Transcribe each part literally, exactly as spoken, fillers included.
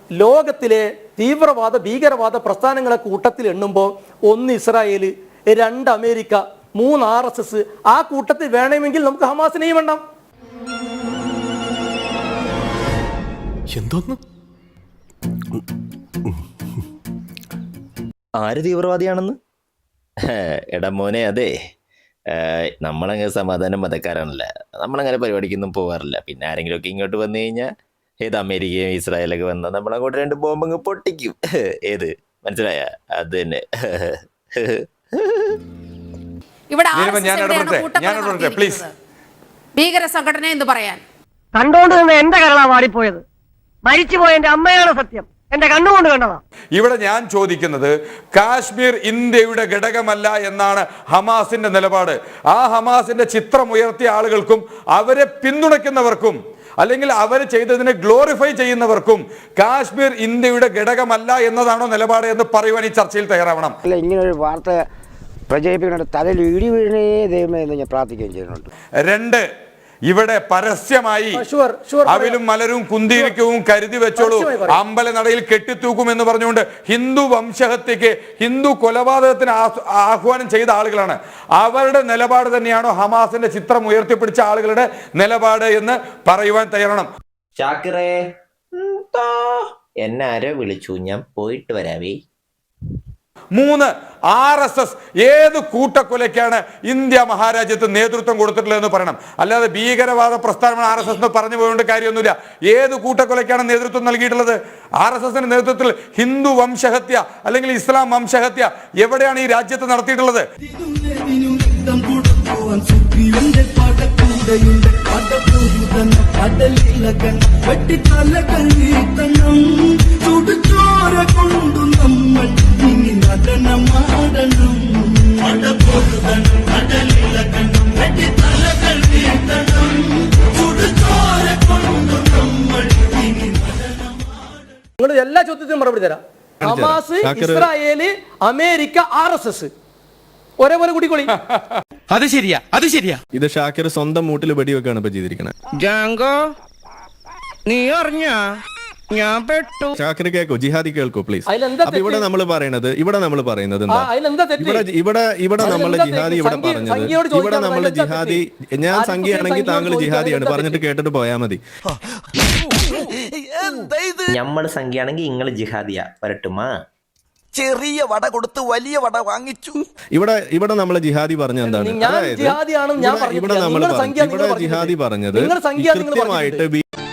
ലോകത്തിലെ തീവ്രവാദ ഭീകരവാദ പ്രസ്ഥാനങ്ങളെ കൂട്ടത്തിൽ എണ്ണുമ്പോൾ ഒന്ന് ഇസ്രായേൽ, രണ്ട് അമേരിക്ക, മൂന്ന് ആർ എസ് എസ്. ആ കൂട്ടത്തിൽ വേണമെങ്കിൽ നമുക്ക് ഹമാസിനെയും വേണ്ടാം. എന്തോന്ന് ആര് തീവ്രവാദിയാണെന്ന്? എടാ മോനെ, അതെ, നമ്മളങ്ങനെ സമാധാനം മതക്കാരാണല്ല, നമ്മളങ്ങനെ പരിപാടിക്കൊന്നും പോകാറില്ല. പിന്നെ ആരെങ്കിലും ഒക്കെ ഇങ്ങോട്ട് വന്നു കഴിഞ്ഞാൽ ഏത് അമേരിക്കയും ഇസ്രായേലൊക്കെ വന്നാൽ നമ്മളങ്ങോട്ട് രണ്ട് ബോംബങ്ങ് പൊട്ടിക്കും. ഏത് മനസ്സിലായ? അത് തന്നെ. ഭീകര സംഘടന എന്ന് പറയാൻ കണ്ടോണ്ട് നിന്ന് എന്റെ കരളാ വാടിപ്പോയത്. മരിച്ചുപോയ എന്റെ അമ്മയാണ് സത്യം, എന്റെ കണ്ണുകൊണ്ട് കണ്ടതാ. ഇവിടെ ഞാൻ ചോദിക്കുന്നത്, കാശ്മീർ ഇന്ത്യയുടെ ഘടകമല്ല എന്നാണ് ഹമാസിന്റെ നിലപാട്. ആ ഹമാസിന്റെ ചിത്രം ഉയർത്തിയ ആളുകൾക്കും അവരെ പിന്തുണയ്ക്കുന്നവർക്കും അല്ലെങ്കിൽ അവർ ചെയ്തതിനെ ഗ്ലോറിഫൈ ചെയ്യുന്നവർക്കും കാശ്മീർ ഇന്ത്യയുടെ ഘടകമല്ല എന്നതാണോ നിലപാട് എന്ന് പറയുവാൻ ഈ ചർച്ചയിൽ തയ്യാറാവണം. അല്ല, ഇങ്ങനെ ഒരു വാർത്ത പ്രചരിപ്പിക്കുന്നുണ്ട്, തലയിൽ ഇടി വീഴണേ ദൈവമേ എന്ന് ഞാൻ പ്രാർത്ഥിക്കുകയും ചെയ്യുന്നുണ്ട്. രണ്ട്, ഇവിടെ പരസ്യമായി അവിലും മലരും കുന്തിരിക്കവും കരുതി വെച്ചോളൂ, അമ്പലനടയിൽ കെട്ടിത്തൂക്കും എന്ന് പറഞ്ഞുകൊണ്ട് ഹിന്ദു വംശഹത്യക്ക്, ഹിന്ദു കൊലപാതകത്തിന് ആഹ്വാനം ചെയ്ത ആളുകളാണ്. അവരുടെ നിലപാട് തന്നെയാണോ ഹമാസിന്റെ ചിത്രം ഉയർത്തിപ്പിടിച്ച ആളുകളുടെ നിലപാട് എന്ന് പറയുവാൻ തയ്യാറാണ്. ഷാക്കിറേ, എന്നെ ആരോ വിളിച്ചു, ഞാൻ പോയിട്ട് വരാവേ. മൂന്ന്, ആർ എസ് എസ് ഏത് കൂട്ടക്കൊലയ്ക്കാണ് ഇന്ത്യ മഹാരാജ്യത്ത് നേതൃത്വം കൊടുത്തിട്ടുള്ളത് എന്ന് പറയണം. അല്ലാതെ ഭീകരവാദ പ്രസ്ഥാനമാണ് ആർ എസ് എസ് എന്ന് പറഞ്ഞു പോയോണ്ട് കാര്യമൊന്നുമില്ല. ഏത് കൂട്ടക്കൊലയ്ക്കാണ് നേതൃത്വം നൽകിയിട്ടുള്ളത്? ആർ എസ് എസിന്റെ നേതൃത്വത്തിൽ ഹിന്ദു വംശഹത്യ അല്ലെങ്കിൽ ഇസ്ലാം വംശഹത്യ എവിടെയാണ് ഈ രാജ്യത്ത് നടത്തിയിട്ടുള്ളത്? നിങ്ങൾ എല്ലാ ചോദ്യത്തിനും മറുപടി തരാം. Hamas, Israel, America, R S S ഒരേപോലെ കൂടിക്കൊള്ളി. അത് ശരിയാ, അത് ശരിയാ. ഇത് ഷാക്കിർ സ്വന്തം മൂട്ടിൽ വെടിവെക്കാണ് ഇപ്പൊ ചെയ്തിരിക്കുന്നത്. നീ അറിഞ്ഞ ഞാൻ പെട്ടു. ഷാക്കിർ കേൾക്കോ, ജിഹാദി കേൾക്കോ പ്ലീസ്. അപ്പൊ ഇവിടെ നമ്മൾ പറയുന്നത് ഇവിടെ നമ്മൾ പറയുന്നത് എന്താ? ഇവിടെ ഇവിടെ ഇവിടെ നമ്മൾ ജിഹാദി ഇവിടെ പറഞ്ഞത് ഇവിടെ നമ്മൾ ജിഹാദി, ഞാൻ സംഖ്യയാണെങ്കിൽ താങ്കൾ ജിഹാദിയാണ് പറഞ്ഞിട്ട് കേട്ടിട്ട് പോയാൽ മതി. നമ്മൾ സംഖ്യയാണെങ്കിൽ നിങ്ങൾ ജിഹാദിയാ വരട്ടുമാ. ചെറിയ വട കൊടുത്ത് വലിയ വട വാങ്ങിച്ചു. ഇവിടെ ഇവിടെ നമ്മളെ ജിഹാദി പറഞ്ഞ എന്താണ്? അതായത് ഇവിടെ നമ്മൾ ഇവിടെ ജിഹാദി പറഞ്ഞത് കൃത്യമായിട്ട്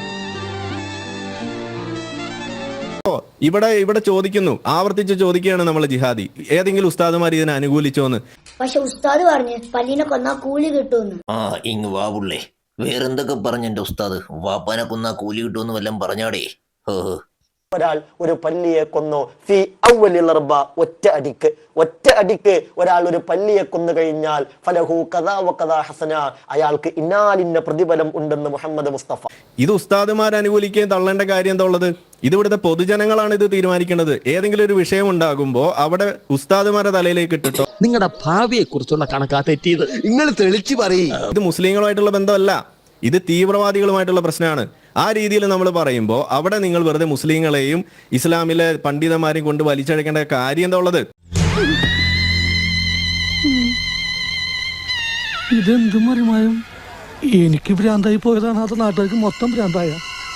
ഇവിടെ ഇവിടെ ചോദിക്കുന്നു, ആവർത്തിച്ച് ചോദിക്കുകയാണ് നമ്മളെ ജിഹാദി, ഏതെങ്കിലും ഉസ്താദുമാർ ഇതിനെ അനുകൂലിച്ചോന്ന്. പക്ഷെ ഉസ്താദ് പറഞ്ഞു പല്ലിനെ കൊന്നാ കൂലി കിട്ടുമെന്ന്. ആ ഇങ് വാവുള്ളേ, വേറെന്തൊക്കെ പറഞ്ഞ എന്റെ ഉസ്താദ്? വാപ്പാനെ കൊന്നാ കൂലി കിട്ടുമെന്ന് വല്ലതും പറഞ്ഞാടേ. ഒരാൾ ഒരു പല്ലിയെ കൊന്നു, ഫി അവ്വലിൽ റബ, ഒറ്റ അടിക്ക് ഒറ്റ അടിക്ക് ഒരാൾ ഒരു പല്ലിയെ കൊന്നു കഴിഞ്ഞാൽ ഫലഹു കദാ വകദാ ഹസന, അയാൾക്ക് ഇന്നാലിന്ന പ്രതിഫലം ഉണ്ടെന്ന് മുഹമ്മദ് മുസ്തഫ. ഇത് ഉസ്താദുമാർ അനുകൂലിക്കുകയും തള്ളേണ്ട കാര്യം എന്താ ഉള്ളത്? ഇത് ഇവിടുത്തെ പൊതുജനങ്ങളാണ് ഇത് തീരുമാനിക്കേണ്ടത്. ഏതെങ്കിലും ഒരു വിഷയം ഉണ്ടാകുമ്പോ അവിടെ ഉസ്താദുമാരുടെ തലയിലേക്ക് ഇട്ടിട്ടോ നിങ്ങളുടെ ഭാവിയെ കുറിച്ചുള്ള കണക്കാ തെറ്റിയത് നിങ്ങൾ തെളിച്ചു പറയും. ഇത് മുസ്ലിങ്ങളുമായിട്ടുള്ള ബന്ധമല്ല, ഇത് തീവ്രവാദികളുമായിട്ടുള്ള പ്രശ്നമാണ്. ആ രീതിയിൽ നമ്മൾ പറയുമ്പോൾ അവിടെ നിങ്ങൾ വെറുതെ മുസ്ലിങ്ങളെയും ഇസ്ലാമിലെ പണ്ഡിതന്മാരെയും കൊണ്ട് വലിച്ചഴക്കേണ്ട കാര്യം എന്താ ഉള്ളത്? ഇതെന്ത് മറിമായും എനിക്ക് ഭ്രാന്തായി പോയതാണ്, അത് നാട്ടുകാർക്ക് മൊത്തം ഭ്രാന്തായ.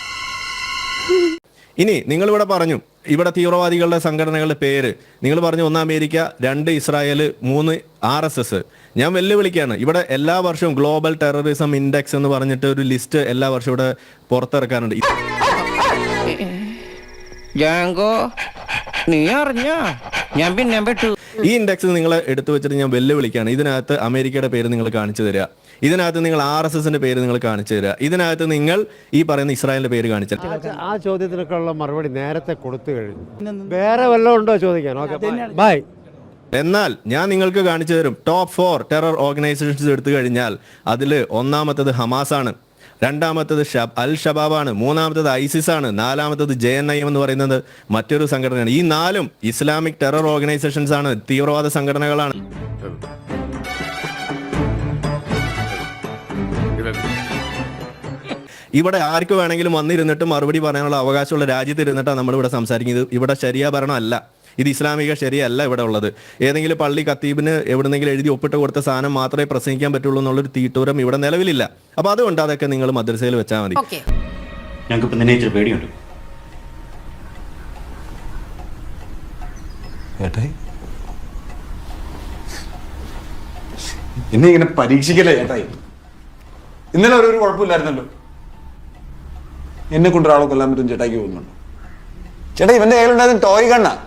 ഇനി നിങ്ങൾ ഇവിടെ പറഞ്ഞു ഇവിടെ തീവ്രവാദികളുടെ സംഘടനകളുടെ പേര് നിങ്ങൾ പറഞ്ഞു, ഒന്ന് അമേരിക്ക, രണ്ട് ഇസ്രായേൽ, മൂന്ന് ആർ എസ് എസ്. ഞാൻ വെല്ലുവിളിക്കുകയാണ്, ഇവിടെ എല്ലാ വർഷവും ഗ്ലോബൽ ടെററിസം ഇൻഡെക്സ് എന്ന് പറഞ്ഞിട്ട് ഒരു ലിസ്റ്റ് എല്ലാ വർഷവും ഇവിടെ പുറത്തിറക്കാറുണ്ട്. നീ അറിഞ്ഞ ഞാൻ പിന്നെ പെട്ടു. ഈ ഇൻഡെക്സ് നിങ്ങൾ എടുത്തു വെച്ചിട്ട് ഞാൻ വെല്ലുവിളിക്കുകയാണ്. ഇതിനകത്ത് അമേരിക്കയുടെ പേര് നിങ്ങൾ കാണിച്ചു തരിക, ഇതിനകത്ത് നിങ്ങൾ ആർ എസ് എസിന്റെ പേര് നിങ്ങൾ കാണിച്ചു തരിക, ഇതിനകത്ത് നിങ്ങൾ ഈ പറയുന്ന ഇസ്രായേലിന്റെ പേര് കാണിച്ചു. ആ ചോദ്യത്തിനൊക്കെ ഉള്ള മറുപടി നേരത്തെ കൊടുത്തു കഴിഞ്ഞു. വേറെ വല്ലതും ഉണ്ടോ ചോദിക്കാൻ? Okay bye. എന്നാൽ ഞാൻ നിങ്ങൾക്ക് കാണിച്ചു തരും. ടോപ്പ് ഫോർ ടെറർ ഓർഗനൈസേഷൻസ് എടുത്തു കഴിഞ്ഞാൽ അതിൽ ഒന്നാമത്തത് ഹമാസ് ആണ്, രണ്ടാമത്തത് അൽ ഷബാബാണ്, മൂന്നാമത്തത് ഐസിസ് ആണ്, നാലാമത്തത് ജെ എൻ ഐ എം എന്ന് പറയുന്നത് മറ്റൊരു സംഘടനയാണ്. ഈ നാലും ഇസ്ലാമിക് ടെറർ ഓർഗനൈസേഷൻസ് ആണ്, തീവ്രവാദ സംഘടനകളാണ്. ഇവിടെ ആർക്ക് വേണമെങ്കിലും വന്നിരുന്നിട്ട് മറുപടി പറയാനുള്ള അവകാശമുള്ള രാജ്യത്ത് ഇരുന്നിട്ടാണ് നമ്മളിവിടെ സംസാരിക്കുന്നത്. ഇവിടെ ശരിയാ ഭരണമല്ല, ഇത് ഇസ്ലാമിക ശരിയല്ല ഇവിടെ ഉള്ളത്. ഏതെങ്കിലും പള്ളി ഖത്തീബിന് എവിടെന്നെങ്കിലും എഴുതി ഒപ്പിട്ട് കൊടുത്ത സാധനം മാത്രമേ പ്രസംഗിക്കാൻ പറ്റുള്ളൂ എന്നുള്ളൊരു തീട്ടൂരം ഇവിടെ നിലവിലില്ല. അപ്പോൾ അതുകൊണ്ട് അതൊക്കെ നിങ്ങൾ മദ്രസയിൽ വെച്ചാൽ മതി. ഞങ്ങൾക്ക് നിന്നെ ഇച്ചിരി പേടിയുണ്ട്. ഏട്ടായി എന്നെ ഇങ്ങനെ പരീക്ഷിക്കല്ലേ ഏട്ടായി? ഇന്നലെ ഒരു കുഴപ്പമില്ലായിരുന്നല്ലോ. എന്നെ കൊണ്ട് ഒരാളെ കൊല്ലാൻ പറ്റും ചേട്ടായിക്ക് തോന്നുന്നുണ്ടോ? ചേട്ടാ ഇവന്റെ കയ്യിലുണ്ടായിരുന്ന ടോയ് കണ്ണ